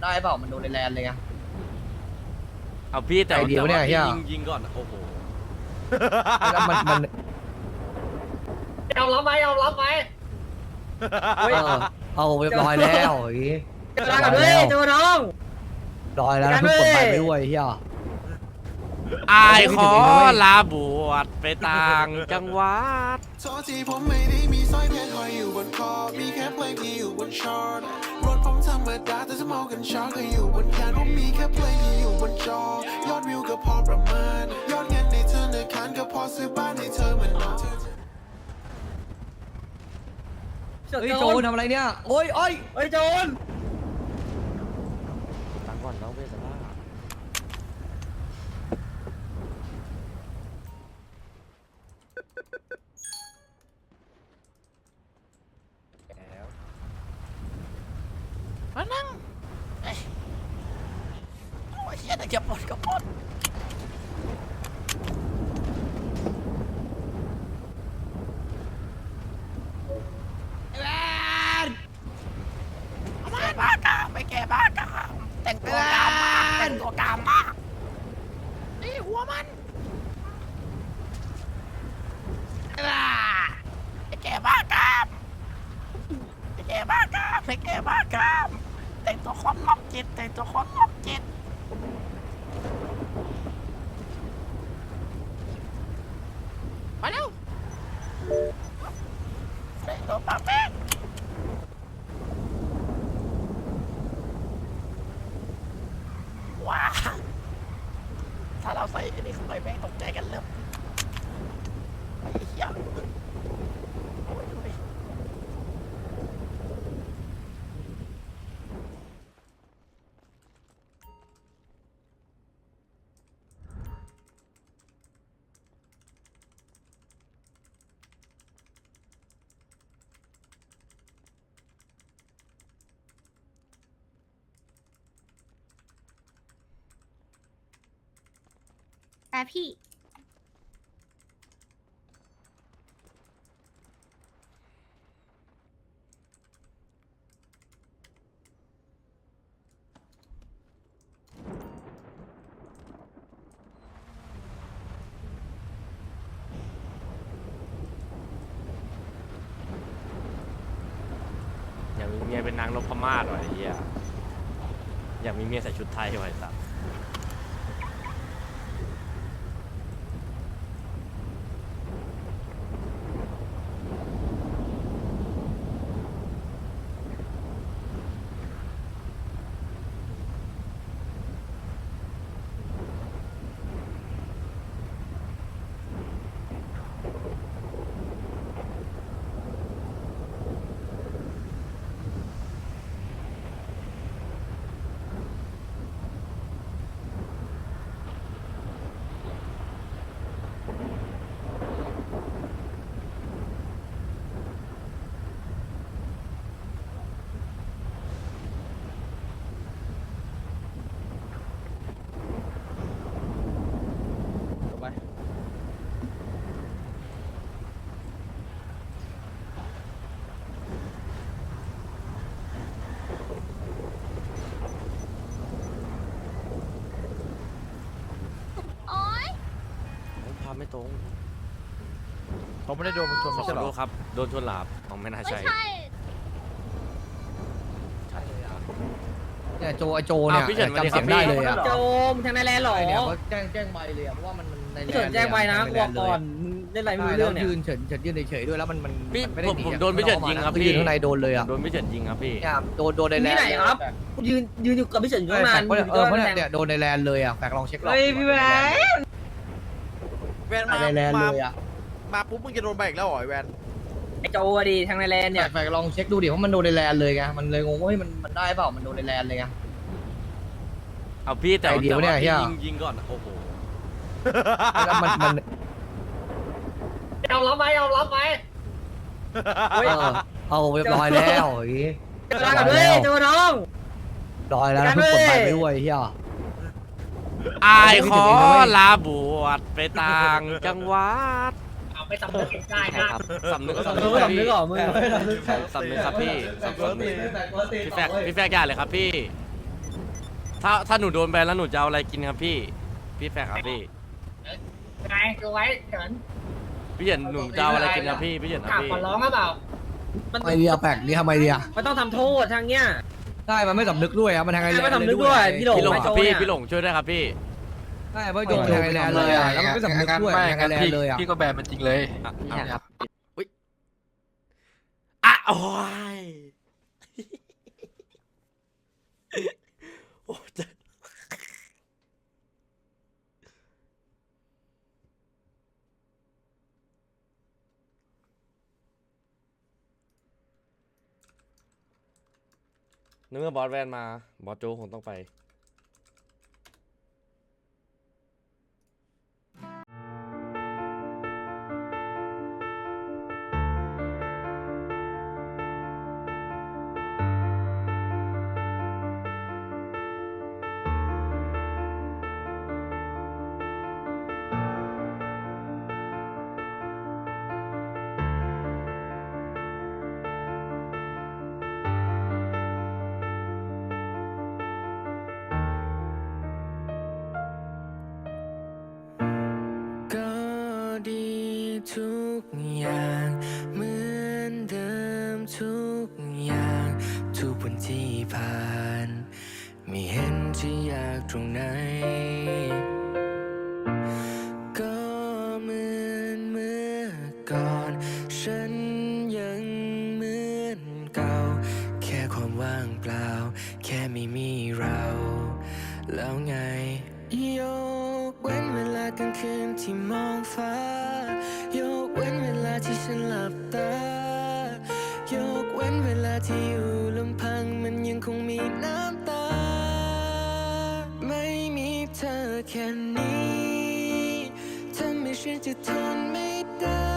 ได้เปล่ามันโดนในแลนเลยไงเอาพี่แต่ไอเดียว่าเนี่ยเหี้ยยิงก่อนโอ้โหแล้วมันยอมรับไหมยอมรับไหมเอาเรียบร้อยแล้วอย่างงี้เจอกันด้วยเจอน้องร้อยแล้วนะเพิ่งกดไปไม่ด้วยเฮียอายขอลาบวชไปต่างจังหวัดโทษทีผมไม่ได้มีสร้อยเพชรห้อยอยู่บนคอ มีแค่เพลงที่อยู่บนชาร์ตรถผมธรรมดาแต่สมองกันช็อตก็อยู่บนแขนผมมีแค่เพลงที่อยู่บนจอยอดวิวก็พอประมาณยอดเงินในธนาคารก็พอซื้อบ้านให้เธอเหมือนน้องเฮ้ยโจทำอะไรเนี่ยโอ้ยเฮ้ยโจรตังก่อนน้องเวสบ้า มานั่งโอ้ยเฮียแต่จะปลดก็ปลดไปแก่บ้ากามแต่งตัวกามมากแต่งตัวกามมากนี่หัวมันไปแก่บ้ากามไปแก่บ้ากามไปแก่บ้ากามแต่งตัวคนมอบจิตแต่งตัวคนมอบจิตมาเร็วแต่งตัวปากแป้งว้าถ้าเราใส่อันนี้เข้าไปแม่งตกใจกันเริ่มไอ้เหี้ยโอ้ยดูดิแต่พี่อยากมีเมียเป็นนางนพมาศว่ะไอ้เหี้ยอยากมีเมียใส่ชุดไทยว่ะไอ้สัสโอ๊ยภาพไม่ตรงเขาไม่ได้โดนมึงชนขอไม่ใช่เหรโทอษครับโดนชนหลาบอ๋อไม่น่าไม่ใช่ใช่ใช่ครับเนี่ยโจไอโจเนี่ยอ้าวพี่เฉินจำเสียงได้เลยอ่ะโจมทางในแลนด์หรอไอเนี่ยเขาแจ้งใบเลยอ่ะเพราะว่ามันในแลเฉินนแจ้งไปนะกลัวก่อนมึงเล่นอะไรไม่รู้เรื่องเนี่ยยืนเฉินยืนเฉยๆด้วยแล้วมันพี่ไม่ได้ผมโดนพี่เฉินยิงครับพี่พี่ยืนข้างในโดนเลยอ่ะโดนพี่เฉินยิงครับพี่เนี่ยโดนในแลนที่ไหนครับยืนอยู่กับพี่เฉินอยู่ตั้งนานเพราะเนี่ยโดนในแลนเลยอ่ะแฝกลองเช็ครอบเฮ้ยพี่แหวนแวนในแลนเลยอ่ะมาปุ๊บมึงจะโดนใบอีกแล้วเหรอไอ้แวนไอโจดีทางในแลนด์เนี่ยแฝกลองเช็คดูดิเพราะมันโดนในแลนเลยไงมันเลยงงว่ามันได้เปล่ามันโดนในแลนเลยไงเอาพี่แต่ไอเดียว่าเนี่ยเหี้พี่ยยิงก่อนโอ้โหแล้วมันยอมรับไหมยอมรับไหมเอาเรียบร้อยแล้วอย่างงี้เจอกันด้วยเจอน้องร้อยแล้วนะเพิ่งกดไปไม่ด้วยเฮียอายขอลาบวชไปต่างจังหวัดเอาไปสำนึกได้ใช่นะครับสำนึกสำนึกสำนึกเหรอมึงสำนึกครับพี่สำนึกพี่แฟกอย่าเลยครับพี่ถ้าหนูโดนแบนแล้วหนูจะเอาอะไรกินครับพี่แฟร์ครับพี่ไงดูไว้เฉินพี่เหยินหนูจะเอาอะไรกินครับพี่เหยินคกรัลับบ พี่ขอร้องก็เปล่าทำไมเดียแปลกนี่ทำไมเดียไม่ต้องทำโทษทางเนี้ยใช่มันไม่สำนึกด้วยครับมันทางไงไม่สำนึกด้วยพี่หลงพี่หลงไม่ครับโทษพี่เนี่ยพี่หลงช่วยด้วยครับพี่ใช่เพราะโดนทางไงแลนด์เลยอะแล้วมันไม่สำนึกด้วยทางไงแลนด์เลยอะพี่ก็แบนมันจริงเลยนี่ครับอุ้ยอ่ะโอ้ยโอ้จะนึกว่าบอสแวนมาบอสโจคงต้องไปก็ดีทุกอย่างเหมือนเดิมทุกอย่างทุกวันที่ผ่านไม่เห็นจะยากตรงไหนก็เหมือนเมื่อก่อนฉันยังเหมือนเก่าแค่ความว่างเปล่าแค่ไม่มีเราแล้วไงยกเว้นเวลากลางคืนที่มองฟ้ายกเว้นเวลาที่ฉันหลับตายกเว้นเวลาที่อยู่ลำพังมันยังคงมีน้ำตาไม่มีเธอแค่นี้ทำให้ฉันจะทนไม่ได้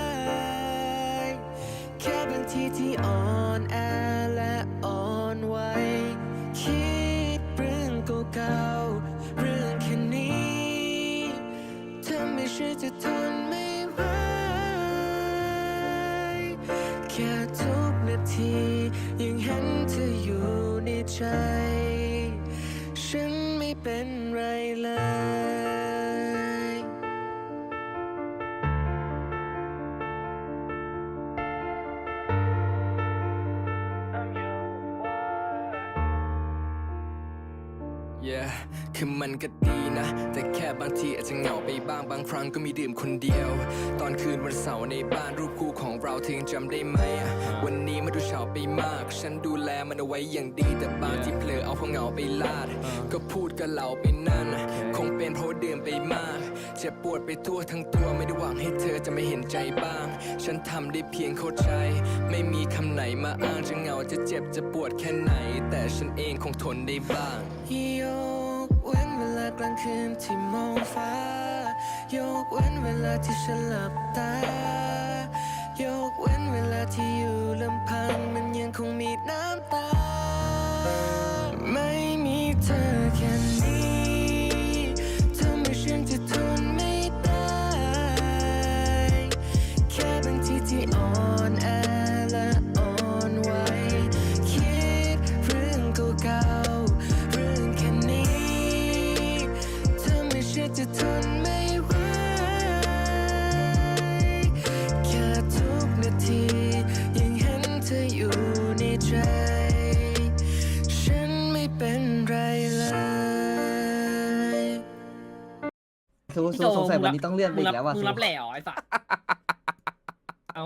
แค่บางทีที่อ่อนแอและอ่อนไหวคิดเรื่องเก่าๆเรื่องแค่นี้ทำให้ฉันจะทนไม่ไหวแค่ทุกนาทียังเห็นเธออยู่ในใจฉันไม่เป็นไรเลย Yeah คือมันก็ดีนะ แต่แค่บางทีอาจจะเหงาไปบ้างบางครั้งก็มีดื่มคนเดียว ตอนคืนวันเสาร์ในบ้านรูปคู่ของเราเธอยังจำได้ไหมวันนี้มันดูเฉาไปมาก ฉันดูแลมันเอาไว้อย่างดี แต่บางที่เผลอเอาความเหงาไปลาด ก็พูดกับเราไปนั่น คงเป็นเพราะดื่มไปมากเจ็บปวดไปทั่วทั้งตัวไม่ได้หวังให้เธอจะไม่เห็นใจบ้าง ฉันทำได้เพียงเข้าใจ ไม่มีคำไหนมาอ้างจะเหงาจะเจ็บจะปวดแค่ไหน แต่ฉันเองคงทนได้บ้างยกเว้นเวลากลางคืนที่มองฟ้ายกเว้นเวลาที่ฉันหลับตายกเว้นเวลาที่อยู่ลำพังมันยังคงมีน้ำตาไม่มีเธอแค่นี้ทำให้ฉันจะทนไม่ได้แค่บางทีที่อ่อนแอและอ่อนไหวคิดเรื่องเก่าๆเรื่องแค่นี้ทำให้ฉันจะทนไม่ไหวแค่ทุกนาทียังเห็นเธออยู่ในใจฉันไม่เป็นไรเลยสงสัยวันนี้ต้องเลื่อนไปอีกแล้วว่ะมึงรับแหล่เหรอไอ้สัสเอา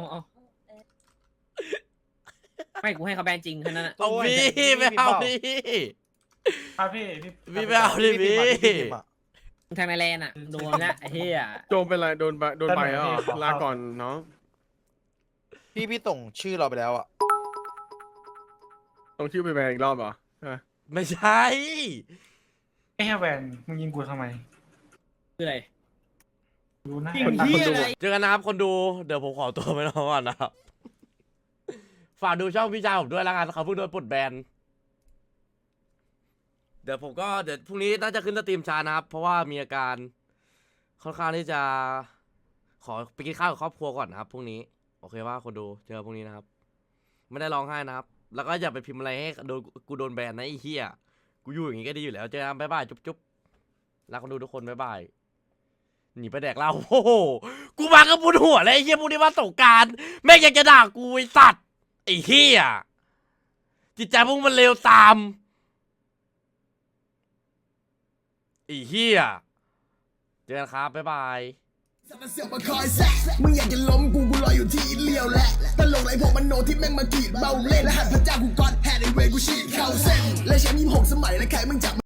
ไม่กูให้เขาแบนจริงแค่นั้นน่ะเอาพี่ไม่เอาดิครับพี่พี่ไม่เอาดิพี่มึงทางในแลนด์อ่ะโดนละไอ้เหี้ยโดนเป็นไรโดนใบแล้วเหรอลาก่อนน้องพี่ส่งชื่อเราไปแล้วอ่ะต้องชื่อไปแบนอีกรอบเหรอใช่ไหมไม่ใช่ไอ้แวนมึงยิงกูทำไมคืออะไรดูนะยิงเหี้ยอะไรเจอกันนะครับคนดูเดี๋ยวผมขอตัวไปนอนก่อนนะครับฝากดูช่องพี่ชายผมด้วยแล้วกันเขาเพิ่งโดนปลดแบนเดี๋ยวพรุ่งนี้น่าจะขึ้นสตรีมช้านะครับ เพราะว่ามีอาการค่อนข้างที่จะขอไปกินข้าวกับครอบครัวก่อนนะครับพรุ่งนี้โอเคว่าคนดูเจอพรุ่งนี้นะครับ ไม่ได้ร้องไห้นะครับ แล้วก็อย่าไปพิมพ์อะไรให้กูโดนแบนนะไอ้เหี้ยกูอยู่อย่างงี้ก็ดีอยู่แล้วเจอกันบ๊ายบายจุ๊บรักคนดูทุกคนบ๊ายบายหนีไปแดกเหล้าโอ้โหกูมาก็บุญหัวเลยไอ้เหี้ยพวกนี้มาสงกรารแม่งยังจะด่ากูไอ้สัตว์ไอ้เหี้ยจิตใจพวกมันเลวตามไอ้เหี้ยเจอกันครับบ๊ายบายมันเสือกมาคอยแซะมึงอยากจะล้มกูรออยู่ที่เลี้ยวแหละตลกไรพวกมันโนที่แม่งมากรีดเบาเล่นและหันพระเจ้ากูกอดแฮดไอเวกูฉีดเข้าเส้นและแชมป์26 สมัยและใครมึงจับ